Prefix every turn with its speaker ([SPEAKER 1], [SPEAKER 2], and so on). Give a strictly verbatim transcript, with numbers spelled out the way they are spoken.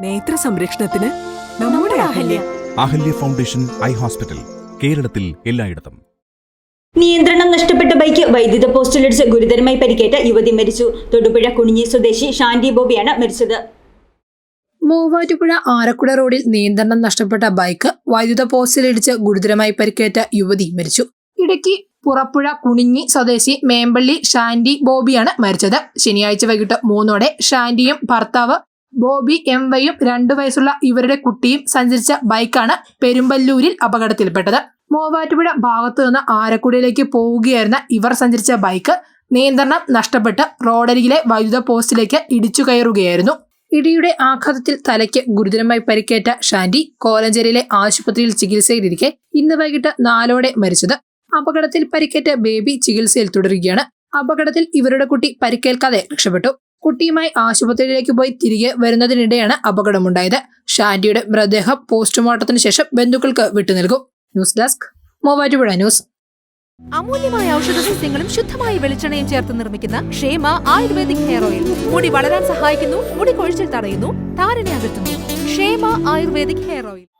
[SPEAKER 1] നേത്ര സംരക്ഷണത്തിന് നമ്മുടെ Ahalya.
[SPEAKER 2] Ahalya foundation eye hospital, കേരളത്തിൽ എല്ലായിടത്തും.
[SPEAKER 3] നിയന്ത്രണം നഷ്ടപ്പെട്ട ബൈക്ക് വൈദ്യുത പോസ്റ്റിലിടിച്ച് ഗുരുതരമായി പരിക്കേറ്റ യുവതി മരിച്ചു. തൊടുപുഴ കുണിഞ്ഞി സ്വദേശി ഷാന്റി ബോബിയാണ് മരിച്ചത്.
[SPEAKER 4] മൂവാറ്റുപുഴ ആരക്കുട റോഡിൽ നിയന്ത്രണം നഷ്ടപ്പെട്ട ബൈക്ക് വൈദ്യുത പോസ്റ്റിലിടിച്ച് ഗുരുതരമായി പരിക്കേറ്റ യുവതി മരിച്ചു. ഇടുക്കി പുറപ്പുഴ കുണിഞ്ഞി സ്വദേശി മേമ്പള്ളി ഷാന്റി ബോബിയാണ് മരിച്ചത്. ശനിയാഴ്ച വൈകിട്ട് മൂന്നോടെ ഷാന്റിയും ഭർത്താവ് ബോബി എം വൈയും രണ്ടു വയസ്സുള്ള ഇവരുടെ കുട്ടിയും സഞ്ചരിച്ച ബൈക്കാണ് പെരുമ്പല്ലൂരിൽ അപകടത്തിൽപ്പെട്ടത്. മൂവാറ്റുപുഴ ഭാഗത്തു നിന്ന് ആരക്കുടയിലേക്ക് പോവുകയായിരുന്ന ഇവർ സഞ്ചരിച്ച ബൈക്ക് നിയന്ത്രണം നഷ്ടപ്പെട്ട് റോഡരികിലെ വൈദ്യുത പോസ്റ്റിലേക്ക് ഇടിച്ചു കയറുകയായിരുന്നു. ഇടിയുടെ ആഘാതത്തിൽ തലയ്ക്ക് ഗുരുതരമായി പരിക്കേറ്റ ഷാന്റി കോലഞ്ചേരിയിലെ ആശുപത്രിയിൽ ചികിത്സയിലിരിക്കെ ഇന്ന് വൈകിട്ട് നാലോടെ മരിച്ചത്. അപകടത്തിൽ പരിക്കേറ്റ ബേബി ചികിത്സയിൽ തുടരുകയാണ്. അപകടത്തിൽ ഇവരുടെ കുട്ടി പരിക്കേൽക്കാതെ രക്ഷപ്പെട്ടു. കുട്ടിയുമായി ആശുപത്രിയിലേക്ക് പോയി തിരികെ വരുന്നതിനിടെയാണ് അപകടമുണ്ടായത്. ഷാന്റിയുടെ മൃതദേഹം പോസ്റ്റ്മോർട്ടത്തിന് ശേഷം ബന്ധുക്കൾക്ക് വിട്ടുനൽകും. News desk, Muvattupuzha news.
[SPEAKER 5] അമൂല്യമായ ഔഷധ സസ്യങ്ങളും ശുദ്ധമായ വെളിച്ചെണ്ണയും ചേർത്ത് നിർമ്മിക്കുന്ന ക്ഷേമ ആയുർവേദിക് ഹെയർ ഓയിൽ മുടി വളരാൻ സഹായിക്കുന്നു, മുടി കൊഴിച്ചിൽ തടയുന്നു, താരനെ അകറ്റുന്നു. ക്ഷേമ ആയുർവേദിക് ഹെയർ ഓയിൽ.